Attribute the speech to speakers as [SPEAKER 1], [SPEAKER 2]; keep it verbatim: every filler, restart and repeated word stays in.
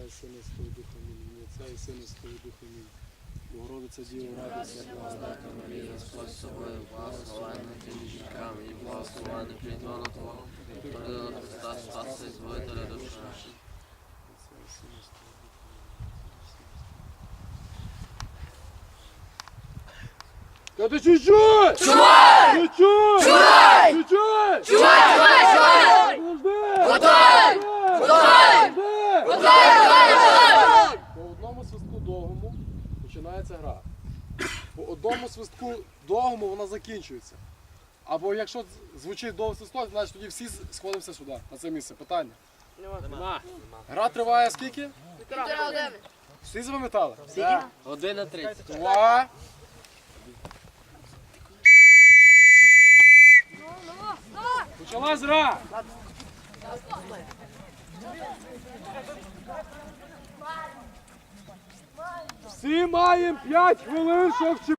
[SPEAKER 1] і Сина, і Святого Духа. Амінь. Отця і Сина, і Святого Духа. Амінь. Богородиця Діва, радуйся,
[SPEAKER 2] Благодатна Марія, Господь з тобою, благословенна ти між жінками, і благословенний плід лона Твого, породила Христа, Спаса і Збавителя душ наших.
[SPEAKER 1] Отця і Сина, і Святого Духа. Скажи чуть-чуть!
[SPEAKER 3] Чувай!
[SPEAKER 1] Чуть-чуть!
[SPEAKER 3] Чувай!
[SPEAKER 1] Чуть-чуть!
[SPEAKER 3] Чувай, чувай, чувай! Готовий! Готовий! Готовий!
[SPEAKER 1] По одному свистку довгому починається гра. По одному свистку довгому вона закінчується. Або якщо звучить довгий свисток, значить тоді всі сходимося сюди, на це місце. Питання? Нема. Гра триває скільки?
[SPEAKER 3] Півтора години.
[SPEAKER 1] Всі запам'ятали?
[SPEAKER 2] Година тридцять.
[SPEAKER 1] Два. Почалась гра. Всі маємо п'ять хвилин, щоб